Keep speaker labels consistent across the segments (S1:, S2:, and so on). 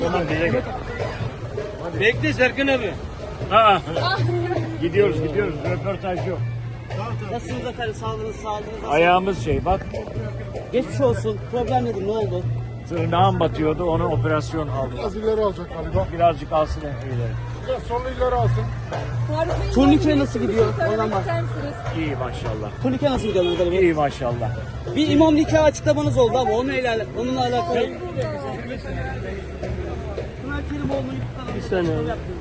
S1: Tamam bize gel.
S2: Bekle Serkan abi.
S1: Aa. Gidiyoruz. Röportaj yok.
S2: Nasılsınız efendim? Sağlığınız nasıl?
S1: Ayağımız bak.
S2: Geçmiş olsun. Problem nedir? Ne oldu?
S1: Tırnağım batıyordu. Onu operasyon aldım.
S3: Az ileri alacak galiba.
S1: Birazcık alsın ileri.
S3: Biraz sonra ileri alsın.
S2: Turnike nasıl gidiyor? Oradan bak.
S1: İyi maşallah.
S2: Turnike nasıl gidiyor Mehmet Ali Bey?
S1: İyi maşallah.
S2: Bir imam nikahı açıklamanız oldu ama onunla alakalı. Pınar Kerimoğlu'nu bir saniye.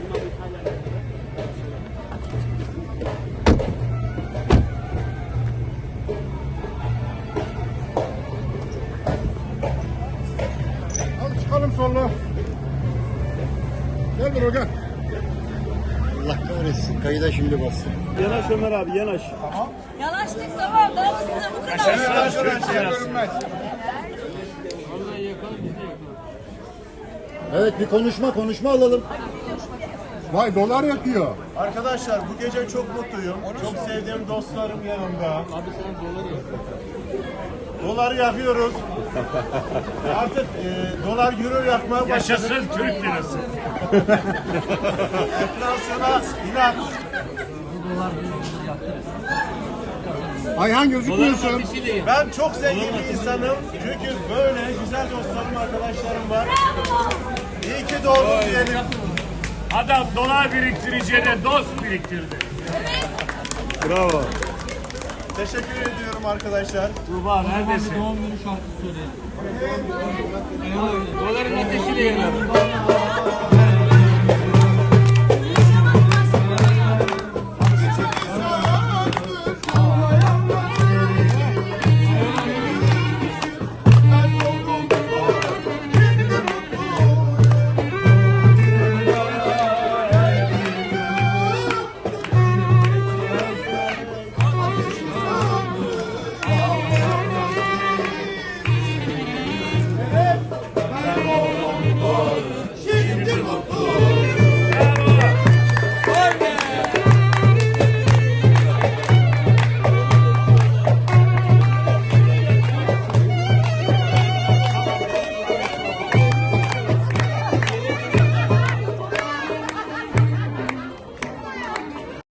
S3: Hadi çıkalım sonra. Gel buraya gel.
S4: Allah kahretsin. Kayıda şimdi bastım.
S1: Yanaş Ömer abi yanaş.
S5: Yanaştık tamam. Daha size bu kadar.
S4: Evet bir konuşma alalım.
S3: Vay dolar yakıyor.
S6: Arkadaşlar bu gece çok mutluyum. Çok sevdiğim dostlarım yanımda. Abi sen doları yakıyoruz. Artık dolar euro yakmaya başladı.
S1: Yaşasın Türk lirası.
S6: Enflasyona inat.
S3: Ayhan gözükmüyorsun.
S6: Ben çok zengin bir insanım. Çünkü böyle güzel dostlarım, arkadaşlarım var. İyi ki doğdum diyelim.
S1: Adam dolar biriktireceğine dost biriktirdi.
S6: Bravo. Teşekkür ediyorum arkadaşlar.
S1: Tuğba neredesin?
S2: Doların ateşiyle yanar.